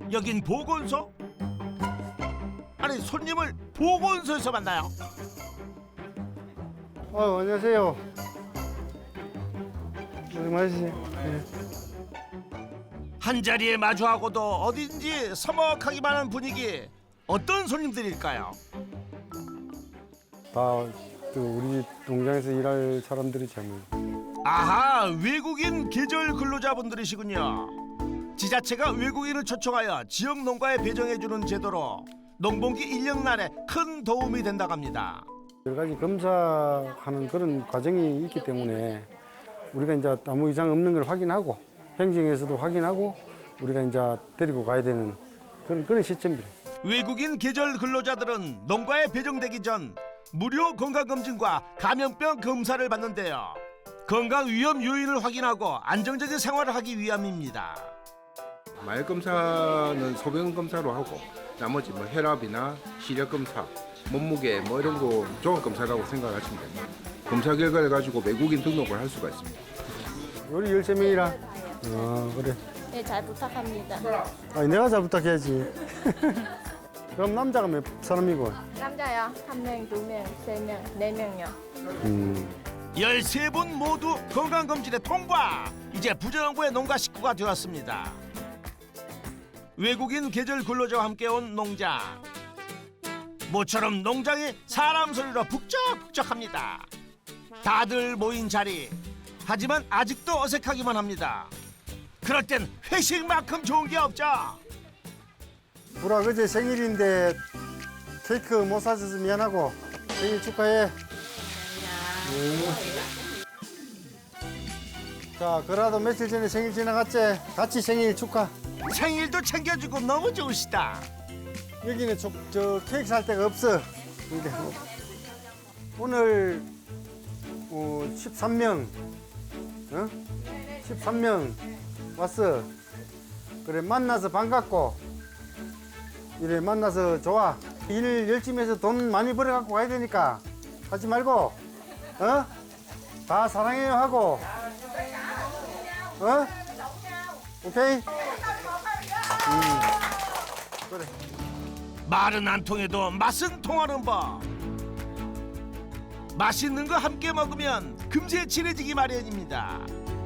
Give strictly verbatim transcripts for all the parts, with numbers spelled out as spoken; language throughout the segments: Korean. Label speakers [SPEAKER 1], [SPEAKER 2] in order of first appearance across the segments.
[SPEAKER 1] 여긴 보건소? 아니 손님을 보건소에서 만나요?
[SPEAKER 2] 어, 안녕하세요. 고생 많으시죠? 네.
[SPEAKER 1] 한 자리에 마주하고도 어딘지 서먹하기만 한 분위기. 어떤 손님들일까요?
[SPEAKER 2] 다 또 우리 농장에서 일할 사람들이죠. 뭐.
[SPEAKER 1] 아하, 외국인 계절 근로자분들이시군요. 지자체가 외국인을 초청하여 지역 농가에 배정해주는 제도로 농번기 일 년날에 큰 도움이 된다고 합니다.
[SPEAKER 2] 여러 가지 검사하는 그런 과정이 있기 때문에 우리가 이제 아무 이상 없는 걸 확인하고 행정에서도 확인하고 우리가 이제 데리고 가야 되는 그런 그런 시점이에요.
[SPEAKER 1] 외국인 계절 근로자들은 농가에 배정되기 전 무료 건강검진과 감염병 검사를 받는데요. 건강 위험 요인을 확인하고 안정적인 생활을 하기 위함입니다.
[SPEAKER 3] 말 검사는 소변 검사로 하고 나머지 뭐 혈압이나 시력 검사, 몸무게 뭐 이런 거 종합 검사라고 생각하시면 됩니다. 검사 결과를 가지고 외국인 등록을 할 수가 있습니다.
[SPEAKER 2] 우리 열세 명이라. 아, 그래.
[SPEAKER 4] 네, 잘 부탁합니다.
[SPEAKER 2] 아니, 내가 잘 부탁해야지. 그럼 남자가 몇 사람이고?
[SPEAKER 4] 남자요. 한 명, 두 명, 세 명, 네 명요.
[SPEAKER 2] 음.
[SPEAKER 1] 열세 분 모두 건강검진에 통과! 이제 부정부의 농가 식구가 되었습니다. 외국인 계절 근로자와 함께 온 농장. 모처럼 농장이 사람 소리로 북적북적합니다. 다들 모인 자리. 하지만 아직도 어색하기만 합니다. 그럴 땐 회식만큼 좋은 게 없죠.
[SPEAKER 2] 불아 그제 생일인데 케이크 못 사줘서 미안하고 생일 축하해. 음. 자, 그래도 며칠 전에 생일 지나갔지? 같이 생일 축하.
[SPEAKER 1] 생일도 챙겨주고 너무 좋으시다.
[SPEAKER 2] 여기는 저, 저 케이크 살 데가 없어. 근데 오늘 어, 십삼 명, 어? 십삼 명 왔어. 그래 만나서 반갑고. 이래 만나서 좋아. 일 열심히 해서 돈 많이 벌어갖고 가야 되니까 하지 말고, 어? 다 사랑해요 하고, 어? 오케이? 음. 그래.
[SPEAKER 1] 말은 안 통해도 맛은 통하는 법. 맛있는 거 함께 먹으면 금세 친해지기 마련입니다.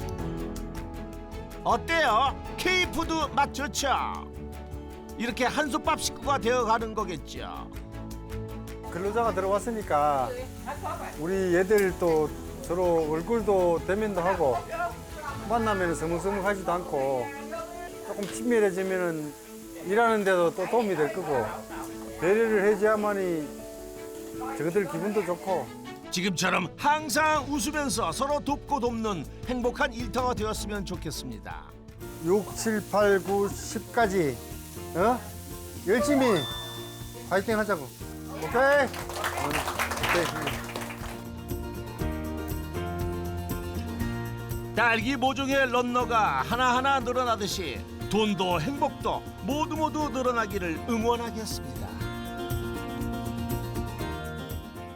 [SPEAKER 1] 어때요? K푸드 맛 좋죠? 이렇게 한솥밥 식구가 되어가는 거겠죠.
[SPEAKER 2] 근로자가 들어왔으니까 우리 얘들 또 서로 얼굴도 대면도 하고 만나면 서먹서먹하지도 않고 조금 친밀해지면은 일하는 데도 또 도움이 될 거고 배려를 해줘야만이 저것들 기분도 좋고.
[SPEAKER 1] 지금처럼 항상 웃으면서 서로 돕고 돕는 행복한 일터가 되었으면 좋겠습니다.
[SPEAKER 2] 육, 칠, 팔, 구, 십까지 어? 열심히 파이팅 하자고. 오케이? 응, 오케이.
[SPEAKER 1] 딸기 모종의 런너가 하나하나 늘어나듯이 돈도 행복도 모두 모두 늘어나기를 응원하겠습니다.